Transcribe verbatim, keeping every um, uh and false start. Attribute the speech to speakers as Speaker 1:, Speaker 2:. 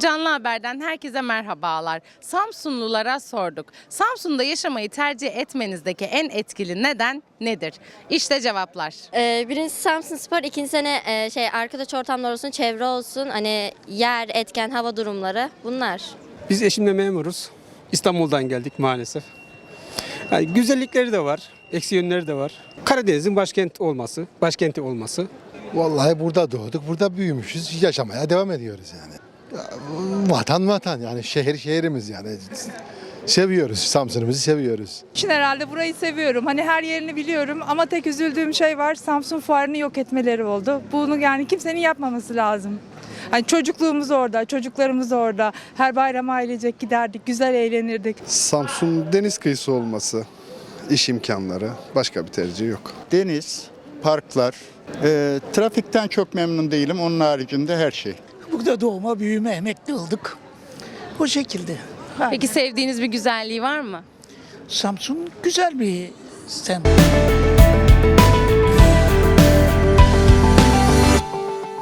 Speaker 1: Canlı Haber'den herkese merhabalar. Samsunlulara sorduk. Samsun'da yaşamayı tercih etmenizdeki en etkili neden nedir? İşte cevaplar.
Speaker 2: Ee, birincisi Samsunspor, ikinci sene e, şey arkadaş ortamları olsun, çevre olsun, hani yer, etken, hava durumları bunlar.
Speaker 3: Biz eşimle memuruz. İstanbul'dan geldik maalesef. Yani güzellikleri de var, eksi yönleri de var. Karadeniz'in başkent olması, başkenti olması.
Speaker 4: Vallahi burada doğduk, burada büyümüşüz, yaşamaya devam ediyoruz yani. Ya, vatan vatan yani şehir şehrimiz yani. Seviyoruz, Samsun'umuzu seviyoruz.
Speaker 5: için herhalde burayı seviyorum. Hani her yerini biliyorum ama tek üzüldüğüm şey var. Samsun Fuarı'nı yok etmeleri oldu. Bunu yani kimsenin yapmaması lazım. Hani çocukluğumuz orada, çocuklarımız orada. Her bayram ailecek giderdik, güzel eğlenirdik.
Speaker 6: Samsun deniz kıyısı olması, iş imkanları, başka bir tercih yok.
Speaker 7: Deniz, parklar, e, trafikten çok memnun değilim. Onun haricinde her şey.
Speaker 8: Burada doğma, büyüme, emekli olduk. O şekilde. Ha,
Speaker 1: Peki sevdiğiniz bir güzelliği var mı?
Speaker 8: Samsun güzel bir semt.